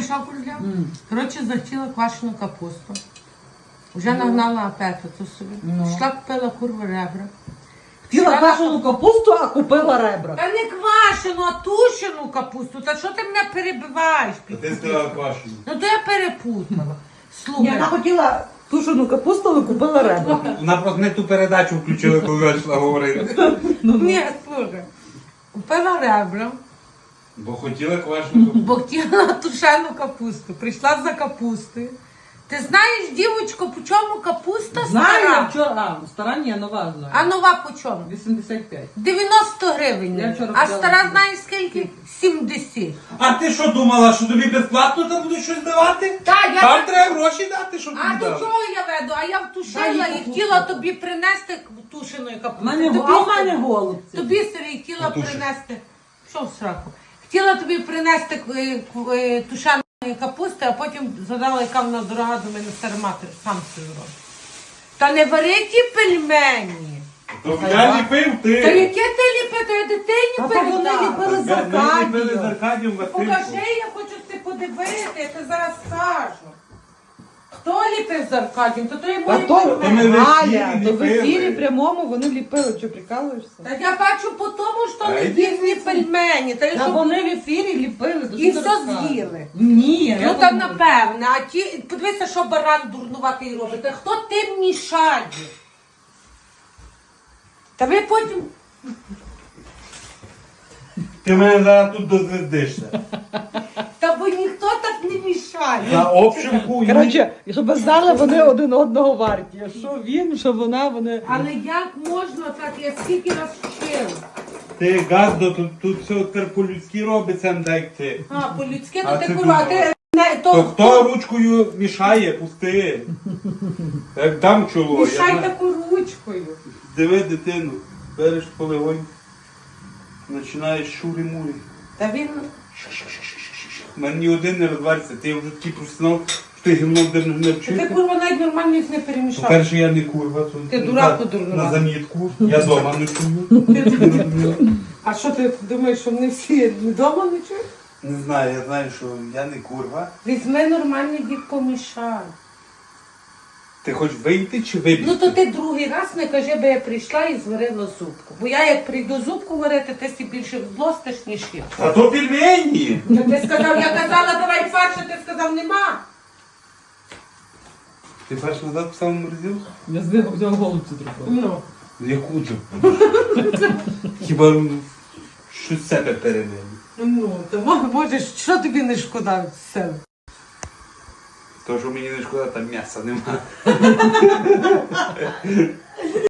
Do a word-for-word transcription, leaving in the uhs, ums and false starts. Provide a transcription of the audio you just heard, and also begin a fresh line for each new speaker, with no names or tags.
що курля? Коротше, захотіла квашену капусту. Вже нагнала апетиту собі. Пішла, купила курву ребра.
Хотіла квашену капусту, а купила ребра.
Та не квашену, а тушену капусту. Та що ти мене перебиваєш?
А ти сказала квашену.
Ну то я перепутала.
Ні,
Слухай.
вона хотіла тушену капусту, але купила ребра.
Вона просто не ту передачу включила, коли йшла говорити.
Ні, слухай. Купила ребра,
Бо хотіла квашену.
бо хотіла тушену капусту. Прийшла за капустою. Ти знаєш, дівочко, по чому капуста
Знаю, я
стара?
вчора, а, стара ні, нова знаю.
А нова по чому?
вісімдесят п'ять.
дев'яносто гривень.
Я вчора
А
взяла.
стара знаєш скільки? сімдесят.
А ти що думала, що тобі безплатно там будуть щось давати?
Та, я
Там
так-
треба гроші дати, щоб
А
тобі
до
дали.
чого я веду? А я втушила
Дай
і
капусту.
хотіла тобі принести тушеної
У
капусти.
мене,
Тобі,
а в мене голубці.
тобі Сергій, хотіла
Потушиш.
принести. Що в сраку? Хотіла тобі принести е, ку- е, тушеної капусти, а потім згадала, яка вона дорога до мене старомати, сам собі робить. Та не вари ті пельмені.
То я ліпив
Та
ти.
яке ти ліпи, то я дитині
А то вони
передала.
ліпили з
Ми ліпили з
Аркадією.
Аркадієм
Покажи,
Васильовичем.
я хочу ти подивити, я ти зараз скажу. Хто ліпив з Аркадієм? То то є
А
мої
то,
То ми в
Галя,
ефірі
то в
ліпили.
ефірі прямому вони ліпили. Що, прикалуєшся?
Та я бачу по тому, що
Та
не
йди
їхні пельмені. Та
Та
що...
вони в ефірі ліпили. то
І
що
все
ти розказуєш?
з'їли.
Ні.
Ну
я
та
не-
напевне, а ті, подивися, що баран дурнуватий робить. Та хто тим мішає? Та ви потім...
Ти мене зараз тут дозвездишся.
Та бо ніхто так не мішає.
На общем хую.
Коротше, щоб ви знали, вони один одного варті. Що він, що вона, вони...
Але як можна так? Я скільки раз вчила.
Ти газдо, тут, тут все тепер по-людськи робиться, не так як ти.
А, по-людськи,
А
то ти
це
курва, а
думала.
ти... Не, то,
То хто ручкою мішає, пусти. Як дам чоло. я
Мішай
знаю.
таку ручкою.
Диви дитину, береш полегонь, починаєш шурі-мурі.
Та він...
У мене ні один не розвариться, ти вже такий професіонал, що ти гімно не
Та ти
вчити.
курва навіть нормально їх не перемішав.
По-перше, я не курва. то-
Ти дурак
на-
подурнував.
На замітку. Я дома не чую.
А що ти думаєш, що вони всі вдома не чують?
Не знаю, я знаю, що я не курва.
Візьми нормально їх помішай.
Ти хочеш вийти чи вибігти?
Ну то ти другий раз не кажи, бо я прийшла і зварила зубку. Бо я як прийду зубку варити, ти си більше злостиш, ніж я.
А то пельмені!
Та ти сказав, я казала, давай фарш, а ти сказав, нема.
Ти перш назад писав морозилку?
Я з них взяв голубці трохи.
Ну.
Яку то? Хіба ну, щось з себе передали?
Ну, то мо- можеш, що тобі не шкода з себе?
То, що мені не шкода, там м'яса нема.